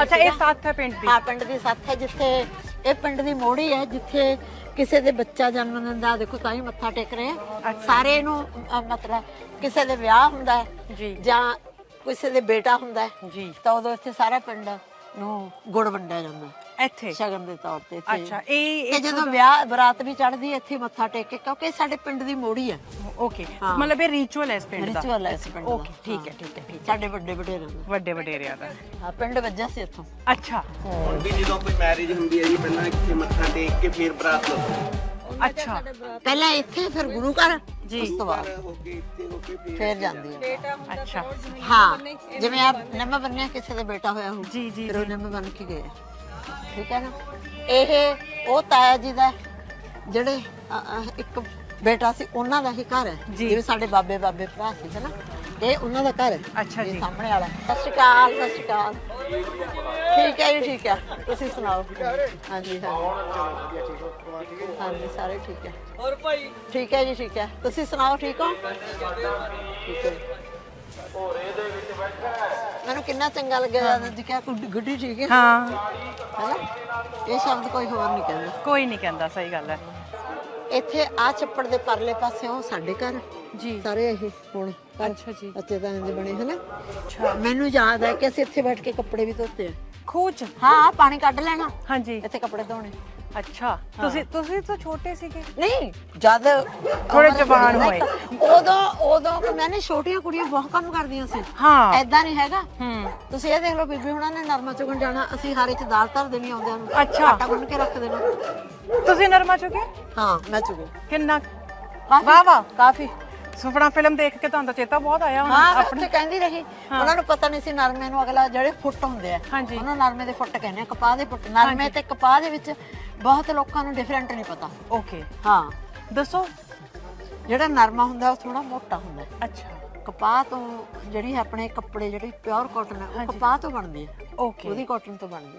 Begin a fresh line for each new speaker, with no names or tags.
ਨਹੀਂ।
ਅੱਛਾ, ਇਹ ਸੱਥ ਹੈ ਪਿੰਡ ਦੀ?
ਹਾਂ, ਪਿੰਡ ਦੀ ਸੱਥ ਹੈ, ਜਿੱਥੇ ਇਹ ਪਿੰਡ ਦੀ ਮੋੜੀ ਹੈ, ਜਿੱਥੇ ਕਿਸੇ ਦੇ ਬੱਚਾ ਜਨਮ ਲੈਂਦਾ, ਦੇਖੋ ਤਾਂ ਹੀ ਮੱਥਾ ਟੇਕ ਰਹੇ ਆ ਸਾਰੇ ਨੂੰ। ਮਤਲਬ ਕਿਸੇ ਦੇ ਵਿਆਹ ਹੁੰਦਾ ਹੈ
ਜੀ,
ਜਾਂ ਕਿਸੇ ਦੇ ਬੇਟਾ ਹੁੰਦਾ ਹੈ
ਜੀ,
ਤਾਂ ਉਦੋਂ ਇੱਥੇ ਸਾਰਾ ਪਿੰਡ ਨੂੰ ਗੁੜ ਵੰਡਿਆ ਜਾਂਦਾ
ਇੱਥੇ
ਸ਼ਗਨ ਦੇ ਤੌਰ ਤੇ।
ਅੱਛਾ, ਇਹ
ਤੇ ਜਦੋਂ ਵਿਆਹ ਬਰਾਤ ਵੀ ਚੜ੍ਹਦੀ ਹੈ ਇੱਥੇ ਮੱਥਾ ਟੇਕ ਕੇ, ਕਿਉਂਕਿ ਇਹ ਸਾਡੇ ਪਿੰਡ ਦੀ ਮੋੜੀ ਹੈ।
ਓਕੇ, ਮਤਲਬ ਇਹ ਰਿਚੁਅਲ ਹੈ ਇਸ ਪਿੰਡ ਦਾ?
ਰਿਚੁਅਲ ਹੈ ਇਸ ਪਿੰਡ ਦਾ।
ਓਕੇ, ਠੀਕ ਹੈ, ਠੀਕ ਹੈ, ਠੀਕ ਹੈ।
ਸਾਡੇ ਵੱਡੇ ਵਡੇਰਿਆਂ ਦਾ,
ਵੱਡੇ ਵਡੇਰਿਆਂ ਦਾ।
ਹਾਂ, ਪਿੰਡ ਵੱਜਾ ਸੀ ਇੱਥੋਂ।
ਅੱਛਾ,
ਹੁਣ ਵੀ ਜਦੋਂ ਕੋਈ ਮੈਰਿਜ ਹੁੰਦੀ ਹੈ ਜੀ, ਪਹਿਲਾਂ ਇੱਥੇ ਮੱਥਾ ਟੇਕ ਕੇ ਫਿਰ ਬਰਾਤ ਲਓ।
ਅੱਛਾ,
ਪਹਿਲਾਂ ਇੱਥੇ, ਫਿਰ ਗੁਰੂ ਘਰ,
ਜੀ,
ਉਸ ਤੋਂ ਬਾਅਦ
ਹੋ ਕੇ ਇੱਥੇ ਹੋ ਕੇ
ਫਿਰ ਜਾਂਦੀ ਹੈ।
ਅੱਛਾ,
ਹਾਂ, ਜਿਵੇਂ ਆਪ ਨਿੰਮ ਬੰਨਿਆ, ਕਿਸੇ ਦਾ ਬੇਟਾ ਹੋਇਆ ਹੋ,
ਜੀ, ਜੀ,
ਫਿਰ ਉਹ ਨਿੰਮ ਬੰਨ ਕੇ ਗਏ। ਠੀਕ ਹੈ ਨਾ। ਇਹ ਉਹ ਤਾਇਆ ਜੀ ਦਾ ਜਿਹੜੇ ਇੱਕ ਬੇਟਾ ਸੀ, ਉਹਨਾਂ ਦਾ ਹੀ ਘਰ ਹੈ। ਜਿਵੇਂ ਸਾਡੇ ਬਾਬੇ ਭਰਾ ਸੀ ਨਾ, ਇਹ ਉਹਨਾਂ ਦਾ ਘਰ ਹੈ।
ਅੱਛਾ ਜੀ,
ਸਾਹਮਣੇ ਵਾਲਾ। ਸਤਿ ਸ਼੍ਰੀ ਅਕਾਲ, ਸਤਿ ਸ਼੍ਰੀ ਅਕਾਲ। ਠੀਕ ਹੈ ਜੀ, ਠੀਕ ਹੈ। ਤੁਸੀਂ ਸੁਣਾਓ? ਹਾਂਜੀ, ਹਾਂਜੀ, ਸਾਰੇ ਠੀਕ ਹੈ। ਹੋਰ ਭਾਈ? ਠੀਕ ਹੈ ਜੀ, ਠੀਕ ਹੈ। ਤੁਸੀਂ ਸੁਣਾਓ, ਠੀਕ ਹੋ? ਠੀਕ ਹੈ। ਮੈਨੂੰ ਕਿੰਨਾ ਚੰਗਾ ਲੱਗਿਆ ਜੀ, ਕਿਹਾ ਗੁੱਡੀ ਠੀਕ ਹੈ।
ਹਾਂ,
ਹੈਨਾ, ਇਹ ਸ਼ਬਦ ਕੋਈ ਹੋਰ ਨਹੀਂ ਕਹਿੰਦਾ।
ਕੋਈ ਨਹੀਂ ਕਹਿੰਦਾ, ਸਹੀ ਗੱਲ ਹੈ।
ਇੱਥੇ ਆ ਛੱਪੜ ਦੇ ਪਰਲੇ ਪਾਸੇ ਉਹ ਸਾਡੇ ਘਰ
ਜੀ,
ਸਾਰੇ ਇਹ ਹੁਣ
ਅੱਛਾ ਜੀ,
ਅੱਛੇ ਤਾਂ ਇੰਜ ਬਣੇ ਹਨਾ। ਮੈਨੂੰ ਯਾਦ ਹੈ ਕਿ ਅਸੀਂ ਇੱਥੇ ਬੈਠ ਕੇ ਕੱਪੜੇ ਵੀ ਧੋਤੇ ਆ।
ਖੂਹ ਚ?
ਹਾਂ, ਪਾਣੀ ਕੱਢ ਲੈਣਾ,
ਹਾਂਜੀ,
ਇੱਥੇ ਕੱਪੜੇ ਧੋਣੇ।
ਅੱਛਾ। ਤੁਸੀਂ ਤਾਂ ਛੋਟੇ ਸੀਗੇ?
ਨਹੀਂ, ਜਦ
ਥੋੜੇ ਜਵਾਨ ਹੋਏ
ਉਦੋਂ ਮੈਨੇ ਛੋਟੀਆਂ ਕੁੜੀਆਂ ਬਹੁਤ ਕੰਮ ਕਰਦੀਆਂ ਸੀ।
ਹਾਂ,
ਐਦਾਂ ਨਹੀਂ ਹੈਗਾ।
ਹੂੰ,
ਤੁਸੀਂ ਇਹ ਦੇਖ ਲਓ, ਬੀਬੀ ਹੁਣਾਂ ਨੇ ਨਰਮਾ ਚੁਗਣ ਜਾਣਾ, ਅਸੀਂ ਹਾਰੇ ਚ ਦਾਲ ਧਰ ਦੇਣੀ ਆਉਂਦਿਆਂ ਨੂੰ,
ਅੱਛਾ।
ਆਟਾ ਗੁੰਨ ਕੇ ਰੱਖ ਦੇਣਾ।
ਤੁਸੀਂ ਨਰਮਾ ਚੁਗੇ?
ਹਾਂ, ਮੈਂ ਚੁਗੇ
ਕਿੰਨਾ?
ਕਾਫੀ,
ਵਾਹ ਵਾਹ,
ਕਾਫੀ।
ਸੁਪਨਾ ਫਿਲਮ ਦੇਖ ਕੇ ਤੁਹਾਨੂੰ ਤਾਂ ਚੇਤਾ ਬਹੁਤ ਆਇਆ ਹੋਣਾ
ਹਾਂ,
ਆਪਣੇ?
ਉੱਥੇ ਕਹਿੰਦੀ ਰਹੀ। ਉਹਨਾਂ ਨੂੰ ਪਤਾ ਨਹੀਂ ਸੀ ਨਰਮੇ ਨੂੰ ਅਗਲਾ ਜਿਹੜੇ ਫੁੱਟ ਹੁੰਦੇ ਆ,
ਹਾਂਜੀ,
ਉਹਨਾਂ ਨਰਮੇ ਦੇ ਫੁੱਟ ਕਹਿੰਦੇ ਆ, ਕਪਾਹ ਦੇ ਫੁੱਟ। ਨਰਮੇ ਤੇ ਕਪਾਹ ਦੇ ਵਿੱਚ ਬਹੁਤ ਲੋਕਾਂ ਨੂੰ ਡਿਫਰੈਂਟ ਨਹੀਂ ਪਤਾ।
ਓਕੇ,
ਹਾਂ,
ਦੱਸੋ।
ਜਿਹੜਾ ਨਰਮਾ ਹੁੰਦਾ ਉਹ ਥੋੜਾ ਮੋਟਾ ਹੁੰਦਾ।
ਅੱਛਾ,
ਕਪਾਹ ਤੋਂ ਜਿਹੜੀ ਆਪਣੇ ਕੱਪੜੇ, ਜਿਹੜੀ ਪਿਓਰ ਕਾਟਨ ਹੈ, ਉਹ ਕਪਾਹ ਤੋਂ ਬਣਦੇ ਆ।
ਓਕੇ,
ਉਹਦੀ ਕਾਟਨ ਤੋਂ ਬਣਦੇ